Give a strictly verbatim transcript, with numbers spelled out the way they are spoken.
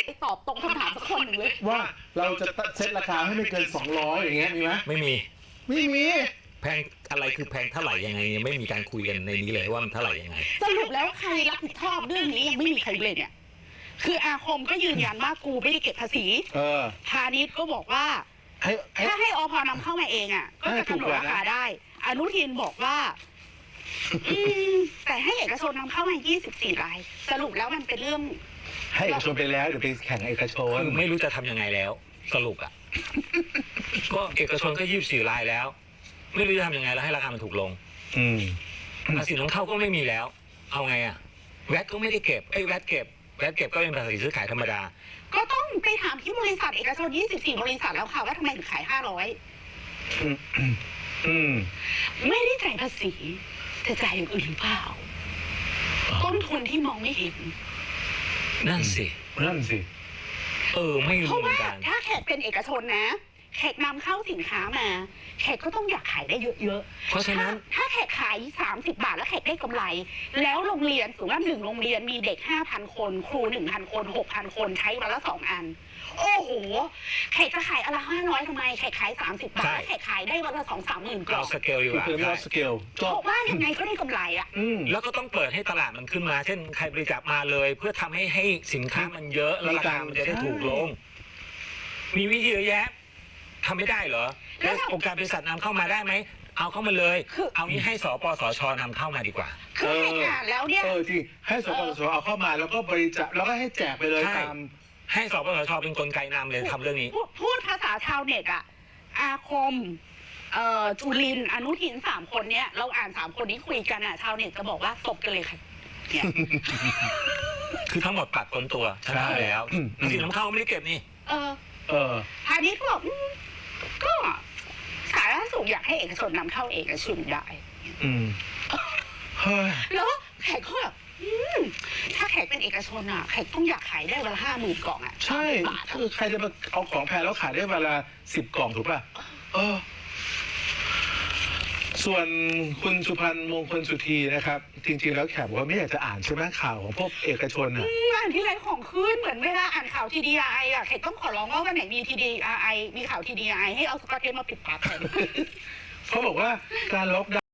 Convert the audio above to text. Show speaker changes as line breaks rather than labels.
ตอบตรงคำถามสักคนหนึ่งเลย
ว่าเราจะเซ็ตราคาให้ไม่เกินสองร้อยอย่างเงี้ยมีไหม
ไม่มี
ไม่มี
แพงอะไรคือแพงเท่าไหร่ยังไงยังไม่มีการคุยกันในนี้เลยว่ามันเท่าไหร่ยังไง
สรุปแล้วใครรับผิดชอบเรื่องนี้ยังไม่มีใครเลยเนี่ยคืออาคมก็ยืนยันว่ากูไม่ได้เก็บภาษีพาณิชย์ก็บอกว่าถ้าให้อพนำเข้ามาเองอ่ะก็จะกำหนดราคาได้อนุทินบอกว่าแต่ให้เอกชนนำเข้ามายี่สิบสี่รายสรุปแล้วมันเป็นเรื่อง
ให้เอกชนไปแล้วเดี๋ยวไปแข่งเอกชน
ไม่รู้จะทำยังไงแล้วสรุปอ่ะก็เอกชนก็ยี่สิบสี่รายแล้วไม่รู้จะทำยังไงแล้วให้ราคามันถูกลง
อืม
ภาษีนำเข้าก็ไม่มีแล้วเอาไงอ่ะแวตก็ไม่ได้เก็บไอ้แวตเก็บแวตเก็บก็เป็นภาษีซื้อขายธรรมดา
ก็ต้องไปถามที่บริษัทเอกชนยี่สิบสี่บริษัทแล้วค่ะว่าทำไมถึงขายห้าร้อยไม่ได้จ่ายภาษีแต่จ่ายอย่างอื่นหรือเปล่าต้นทุนที่มองไม่เห็น
นั่นสิ
นั่นสิ
เออไม่รู้เหมือนกัน
ถ้าแขกเป็นเอกชนนะแขกนำเข้าสินค้ามาแขกก็ต้องอยากขายได้เยอะ
ๆเพราะฉะนั้น
ถ้าแขกขายสามสิบบาทแล้วแขกได้กำไรแล้วโรงเรียนสมมติว่าหนึ่งโรงเรียนมีเด็กห้าพันคนครูหนึ่งพันคนหกพันคนใช้วันละสองอันโอ้โหแขกจะขายอะไรห้าร้อยทำไมแขกขายสามสิบบาทแขกขายได้วันละสองสามหมื่นกล่อง
สเกลอยู่อะ
เราสเกล
บอกว่ายังไงก็ได้กำไรอะ
แล้วก็ต้องเปิดให้ตลาดมันขึ้นมาเช่นใครบริจาคมาเลยเพื่อทำให้ให้สินค้ามันเยอะแล้วราคามันจะได้ถูกลงมีวิธีเยอะแยะทำไม่ได้เหรอแล้วองค์การบริษัทนำเข้ามาได้ไหมเอาเข้ามาเลยเอานี้ให้สปสชนำเข้ามาดีกว่า
คือให้งานแล้วเนี่ย
เออจริงให้สปสชเอาเข้ามาแล้วก็บริจาคแล้วก็ให้แจกไปเลยตาม
ให้สปสชเป็นกลไกนำเลยทำเรื่องนี้
พูดภาษาชาวเน็ตอะอาคมเอ่อจุลินอนุทินสามคนเนี้ยเราอ่านสามคนนี้คุยกันอะชาวเน็ตจะบอกว่าตบกันเลยค่ะ
คือทั้งหมดปัดคนตัวชนะแล้วสินนำเข้าไม่ได้เก็บนี่
เออ
เออ
พาณิชย์บอกก็สาธารณสุขอยากให้เอกชนนำเข้าเอกชนได้
อืม
แล้วแขกก็แบบถ้าแขกเป็นเอกชนอ่ะแขกต้องอยากขายได้วันละห้าหมื่นกล่องอ่ะ
ใช่คือใครจะมาเอาของแพงแล้วขายได้วันละสิบกล่องถูกป่ะเออส่วนคุณสุพันธ์มงคลสุธีนะครับจริงๆแล้วแขกบอกว่าไม่อยากจะอ่านใช่ไหมข่าวของพวกเอกชนอ่ะ
อ่านที่ไรของขึ้นเหมือนเวลาอ่านข่าวทีดีไออ่ะแขกต้องขอร้องว่าวันไหนมีทีดีไอมีข่าวทีดีไอให้เอาสกอตเทปมาปิดปากแขก
เขาบอกว่าการล็อก